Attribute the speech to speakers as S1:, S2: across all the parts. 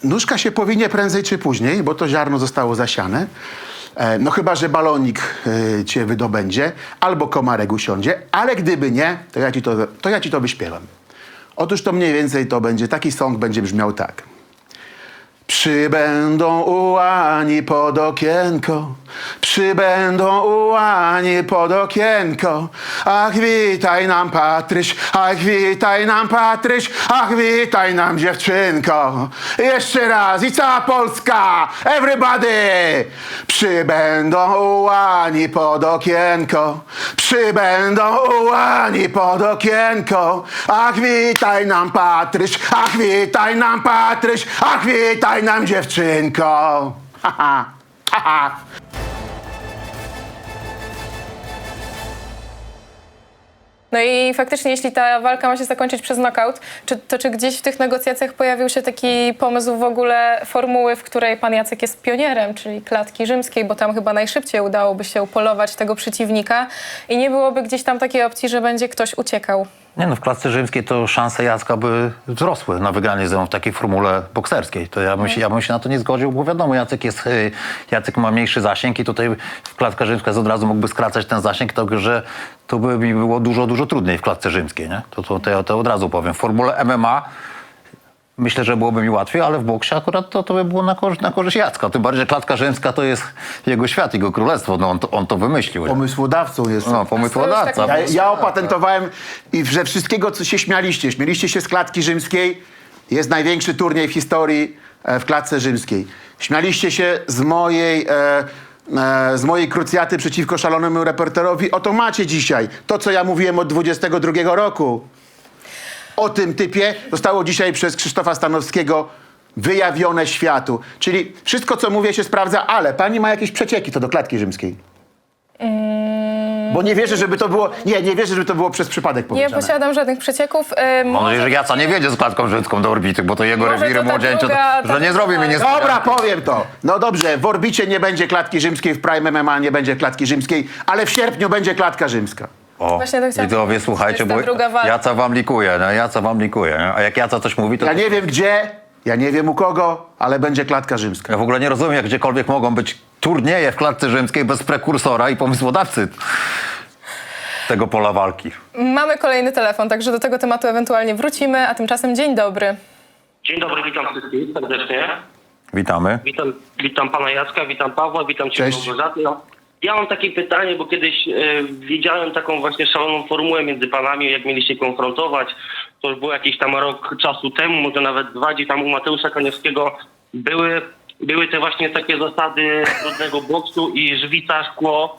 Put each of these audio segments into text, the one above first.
S1: nóżka się powinie prędzej czy później, bo to ziarno zostało zasiane. No chyba, że balonik cię wydobędzie, albo komarek usiądzie, ale gdyby nie, to ja ci to wyśpiewam. Otóż to mniej więcej to będzie, taki song będzie brzmiał tak. Przybędą ułani pod okienko, przybędą ułani pod okienko. Ach, witaj nam Patryś, ach, witaj nam Patryś, ach, witaj nam dziewczynko. Jeszcze raz i cała Polska, everybody! Przybędą ułani pod okienko, przybędą ułani pod okienko. Ach, witaj nam Patryś, ach, witaj nam Patryś, ach, witaj nam dziewczynko. Ha, ha, ha, ha.
S2: No i faktycznie, jeśli ta walka ma się zakończyć przez knockout, czy gdzieś w tych negocjacjach pojawił się taki pomysł w ogóle formuły, w której pan Jacek jest pionierem, czyli klatki rzymskiej, bo tam chyba najszybciej udałoby się upolować tego przeciwnika i nie byłoby gdzieś tam takiej opcji, że będzie ktoś uciekał?
S3: Nie no, w klatce rzymskiej to szanse Jacka by wzrosły na wygranie ze mną w takiej formule bokserskiej. To ja bym się na to nie zgodził, bo wiadomo, Jacek ma mniejszy zasięg i tutaj w klatce rzymskiej od razu mógłby skracać ten zasięg, że to by mi było dużo trudniej w klatce rzymskiej, nie? To ja to od razu powiem. W formule MMA myślę, że byłoby mi łatwiej, ale w boksie akurat to by było na korzyść Jacka. Tym bardziej, że klatka rzymska to jest jego świat, jego królestwo. No on to wymyślił.
S1: Pomysłodawcą jest.
S3: No, pomysłodawca.
S1: Ja opatentowałem i że wszystkiego, co się śmialiście się z klatki rzymskiej. Jest największy turniej w historii w klatce rzymskiej. Śmialiście się z mojej krucjaty przeciwko szalonemu reporterowi. Oto macie dzisiaj to, co ja mówiłem od 22 roku. O tym typie zostało dzisiaj przez Krzysztofa Stanowskiego wyjawione światu. Czyli wszystko, co mówię, się sprawdza, ale pani ma jakieś przecieki co do klatki rzymskiej. Bo nie wierzę, żeby to było. Nie wierzę, żeby to było przez przypadek
S2: Nie
S1: powiedziane.
S2: posiadam żadnych przecieków.
S3: Mam nadzieję, że Jaca nie wiedzie z klatką rzymską do orbity, bo to jego
S2: Może
S3: rewiry
S2: to ta
S3: młodzieńcze,
S2: druga-
S3: że nie zrobi mi niespodzianki.
S1: Dobra, powiem to. No dobrze, w orbicie nie będzie klatki rzymskiej, w Prime MMA nie będzie klatki rzymskiej, ale w sierpniu będzie klatka rzymska.
S3: O,
S2: Właśnie to chciałam
S3: widzowie,
S2: powiedzieć,
S3: słuchajcie,
S2: to
S3: bo
S2: jest ta druga walka.
S3: Jaca wam likuje, no, Jaca wam likuje. Nie? A jak Jaca coś mówi, to...
S1: Ja nie wiem gdzie, ja nie wiem u kogo, ale będzie klatka rzymska.
S3: Ja w ogóle nie rozumiem, jak gdziekolwiek mogą być turnieje w klatce rzymskiej bez prekursora i pomysłodawcy tego pola walki.
S2: Mamy kolejny telefon, także do tego tematu ewentualnie wrócimy, a tymczasem dzień dobry.
S4: Dzień dobry, witam wszystkich serdecznie.
S3: Witamy.
S4: Witam pana Jacka, witam Pawła, witam cię
S1: Cześć.
S4: Małgorzaty. Ja mam takie pytanie, bo kiedyś widziałem taką właśnie szaloną formułę między panami, jak mieliście konfrontować. To już było jakiś tam rok czasu temu, może nawet 2, gdzie tam u Mateusza Koniowskiego były te właśnie takie zasady trudnego boksu i żwica, szkło.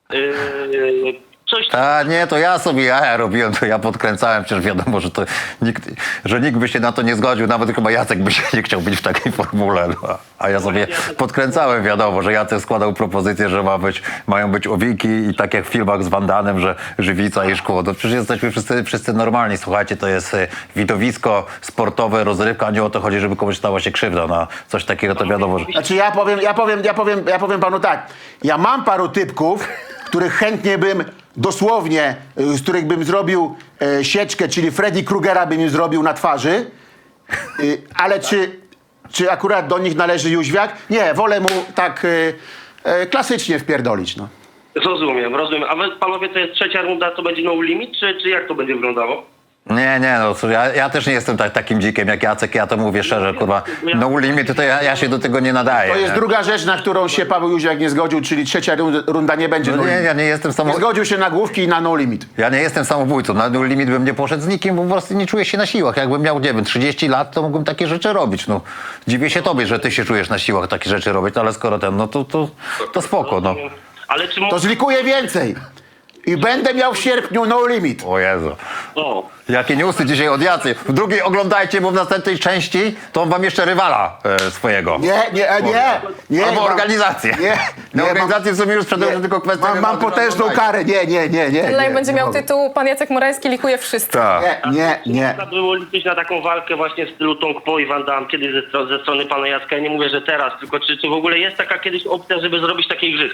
S4: Coś
S3: A nie, to ja sobie jaja robiłem, to ja podkręcałem, przecież wiadomo, że nikt by się na to nie zgodził, nawet chyba Jacek by się nie chciał być w takiej formule. No. A ja sobie podkręcałem, wiadomo, że Jacek składał propozycję, że mają być owiki i tak jak w filmach z Van Danem, że żywica i szkło. To przecież jesteśmy wszyscy normalni, słuchajcie, to jest widowisko sportowe, rozrywka, a nie o to chodzi, żeby komuś stała się krzywda. No, coś takiego to wiadomo, że...
S1: Znaczy ja powiem panu tak. Ja mam paru typków, których chętnie bym dosłownie, z których bym zrobił sieczkę, czyli Freddy Krugera bym im zrobił na twarzy. Ale czy akurat do nich należy Jóźwiak? Nie, wolę mu tak klasycznie wpierdolić, no.
S4: rozumiem. A wy panowie, to jest trzecia runda, to będzie no limit, czy jak to będzie wyglądało?
S3: Nie, no cóż, ja też nie jestem takim dzikiem jak Jacek, ja to mówię szczerze, kurwa, no limit, to ja się do tego nie nadaję.
S1: To jest
S3: nie?
S1: druga rzecz, na którą się Paweł Jóźwiak nie zgodził, czyli trzecia runda nie będzie
S3: No
S1: no
S3: nie,
S1: limit.
S3: ja nie jestem
S1: Nie zgodził się na główki i na no limit.
S3: Ja nie jestem samobójcą, na no limit bym nie poszedł z nikim, bo po prostu nie czuję się na siłach. Jakbym miał, nie wiem, 30 lat, to mógłbym takie rzeczy robić, no. Dziwię się tobie, że ty się czujesz na siłach takie rzeczy robić, ale skoro no to spoko, no.
S4: Ale czy
S1: To zlikuję więcej. I będę miał w sierpniu no limit.
S3: O Jezu.
S4: O,
S3: Jakie newsy dzisiaj od Jacy. W drugiej oglądajcie, bo w następnej części to on wam jeszcze rywala swojego.
S1: Nie.
S3: Albo organizację. Na organizację w sumie już sprzedał, że tylko kwestia...
S1: Mam potężną karę. Nie.
S2: Live będzie miał
S1: mogę.
S2: tytuł Pan Jacek Morański likuje wszystko.
S3: Tak.
S1: Nie.
S4: Można było liczyć na taką walkę właśnie w stylu Tong Po i Van Damme, kiedyś ze strony pana Jacka. Ja nie mówię, że teraz, tylko czy w ogóle jest taka kiedyś opcja, żeby zrobić takie igrzyska?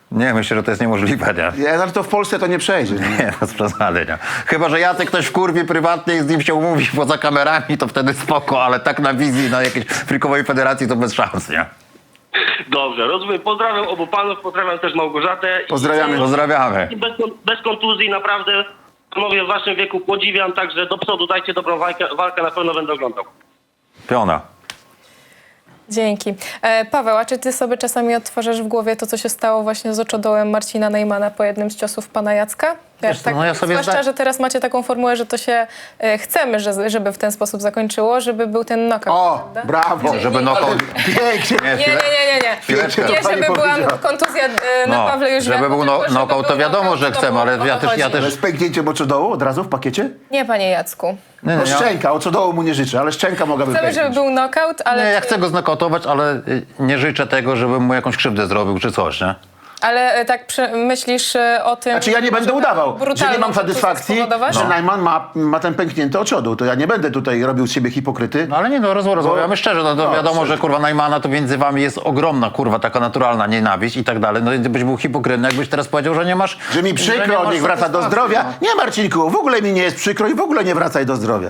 S3: Nie, myślę, że to jest niemożliwe, nie?
S1: Nie, ale to w Polsce to nie przejdzie. Nie?
S3: Nie, bez przesady, nie. Chyba że Jacek ktoś w kurwie prywatnie i z nim się umówi poza kamerami, to wtedy spoko, ale tak na wizji, na jakiejś frikowej federacji to bez szans, nie?
S4: Dobrze, rozumiem. Pozdrawiam obu panów, pozdrawiam też Małgorzatę.
S1: Pozdrawiamy.
S3: Pozdrawiamy.
S4: I bez kontuzji, naprawdę panowie w waszym wieku podziwiam, także do przodu dajcie dobrą walkę, na pewno będę oglądał.
S3: Piona.
S2: Dzięki. Paweł, a czy ty sobie czasami odtwarzasz w głowie to, co się stało właśnie z oczodołem Marcina Neymana po jednym z ciosów pana Jacka?
S3: Wiesz co, no ja sobie
S2: zwłaszcza, że teraz macie taką formułę, że to się chcemy, żeby w ten sposób zakończyło, żeby był ten knockout.
S1: O,
S2: prawda?
S1: brawo.
S3: Żeby knockout...
S1: Pięknie.
S2: Nie.
S3: Chwileczkę.
S2: Nie, żeby
S1: Pani
S2: była
S1: powiedziała.
S2: kontuzja na
S3: No,
S2: Pawle już
S3: żeby
S2: wiadomo,
S3: był
S2: tylko
S3: knockout, to
S2: był
S3: wiadomo,
S2: knockout,
S3: że
S2: to
S3: chcemy,
S2: było-
S3: ale
S2: o to
S3: ja też-
S2: chodzi.
S1: Ale z pęknięciem oczodołu od razu w pakiecie?
S2: Nie, panie Jacku.
S3: Nie,
S1: No
S3: ja,
S1: szczęka, oczodołu mu nie życzę, ale szczęka mogłaby
S2: Chcemy, żeby
S1: pęknąć.
S2: był knockout, ale...
S3: nie, ja chcę go znokautować, ale nie życzę tego, żebym mu jakąś krzywdę zrobił czy coś, nie?
S2: Ale tak myślisz o tym...
S1: Znaczy ja nie będę
S2: żeby
S1: udawał, że nie
S2: brutalną
S1: mam satysfakcji,
S2: spowodować?
S1: że Najman ma ten pęknięty oczodoł. To ja nie będę tutaj robił z siebie hipokryty.
S3: No ale nie, no rozmawiamy szczerze, no to wiadomo,
S1: szczerze.
S3: że kurwa Najmana to między wami jest ogromna kurwa, taka naturalna nienawiść i tak dalej. No i byś był hipokrytny, jakbyś teraz powiedział, że nie masz...
S1: Że mi
S3: nie
S1: przykro,
S3: masz
S1: niech wraca do
S3: satysfakcji,
S1: zdrowia. Nie, Marcinku, w ogóle mi nie jest przykro i w ogóle nie wracaj do zdrowia.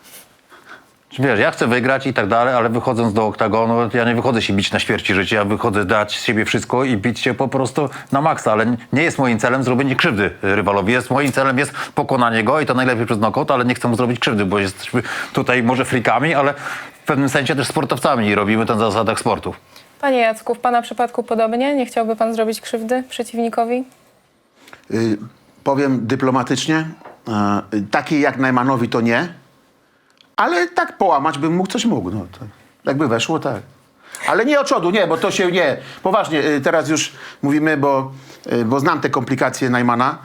S3: Wiesz, ja chcę wygrać i tak dalej, ale wychodząc do oktagonu, ja nie wychodzę się bić na śmierć i życie, ja wychodzę dać z siebie wszystko i bić się po prostu na maksa, ale nie jest moim celem zrobienie krzywdy rywalowi. Moim celem jest pokonanie go i to najlepiej przez knockout, ale nie chcę mu zrobić krzywdy, bo jesteśmy tutaj może frikami, ale w pewnym sensie też sportowcami i robimy to na zasadach sportu.
S2: Panie Jacku, w pana przypadku podobnie? Nie chciałby pan zrobić krzywdy przeciwnikowi?
S1: Powiem dyplomatycznie, takiej jak Najmanowi to nie, ale tak połamać bym mógł, coś mógł. No, to, jakby weszło, tak. Ale nie oczodu, nie, bo to się nie. Poważnie, teraz już mówimy, bo znam te komplikacje Najmana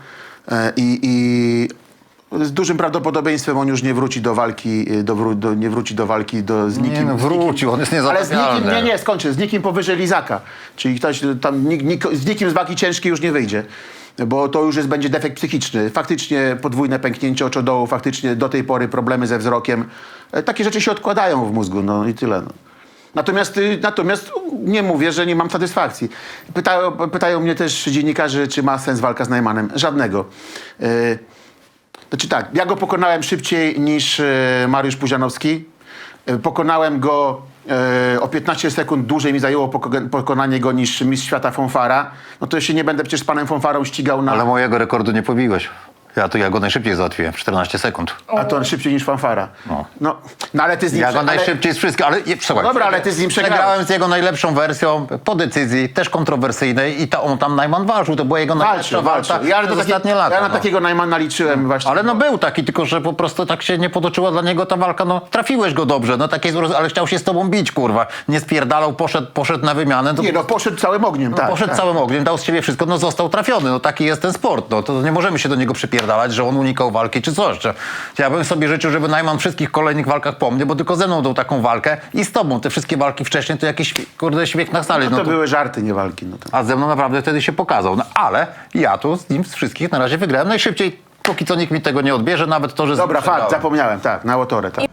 S1: i z dużym prawdopodobieństwem on już nie wróci do walki, nie wróci do walki z nikim.
S3: Nie no, wrócił, on jest
S1: Ale z nikim,
S3: niezatapialny.
S1: nie, skończę, z nikim powyżej Lizaka. Czyli ktoś tam, z nikim z wagi ciężkiej już nie wyjdzie. Bo to już będzie defekt psychiczny. Faktycznie podwójne pęknięcie oczodołu, faktycznie do tej pory problemy ze wzrokiem. Takie rzeczy się odkładają w mózgu, no i tyle. No. Natomiast nie mówię, że nie mam satysfakcji. Pytają mnie też dziennikarze, czy ma sens walka z Najmanem. Żadnego. Znaczy tak, ja go pokonałem szybciej niż Mariusz Puzianowski. Pokonałem go o 15 sekund dłużej mi zajęło pokonanie go niż mistrz świata Fonfara. No to ja się nie będę przecież z panem Fonfarą ścigał na...
S3: Ale mojego rekordu nie pobiłeś. Ja go najszybciej załatwiłem, w 14 sekund.
S1: A to on szybciej niż Fanfara. No ale ty z nim...
S3: Ja go najszybciej z wszystkich, ale słuchaj.
S1: Dobra, ale ty z nim przegrałeś.
S3: Przegrałem z jego najlepszą wersją po decyzji, też kontrowersyjnej i on tam Najman walczył, to była jego najlepsza
S1: Walczył.
S3: walka
S1: Ja
S3: przez ostatnie lata.
S1: Ja na
S3: no.
S1: takiego Najmana liczyłem właśnie.
S3: Ale no był taki, tylko że po prostu tak się nie potoczyła dla niego ta walka, no trafiłeś go dobrze, no takie, ale chciał się z tobą bić, kurwa. Nie spierdalał, poszedł na wymianę. To
S1: Nie, no poszedł całym ogniem, tak.
S3: poszedł całym ogniem, dał z siebie wszystko, no został trafiony, no taki jest ten sport, no to nie możemy się do niego przypierdalać, że on unikał walki czy coś. Ja bym sobie życzył, żeby Najman w wszystkich kolejnych walkach po mnie, bo tylko ze mną dał taką walkę i z tobą. Te wszystkie walki wcześniej to jakiś, kurde, śmiech na sali.
S1: No to były żarty, nie walki. No to...
S3: A ze mną naprawdę wtedy się pokazał. No ale ja tu z nim z wszystkich na razie wygrałem najszybciej, póki co nikt mi tego nie odbierze, nawet to, że...
S1: Dobra,
S3: przegrałem.
S1: fakt, zapomniałem, tak, na Łotorę, tak.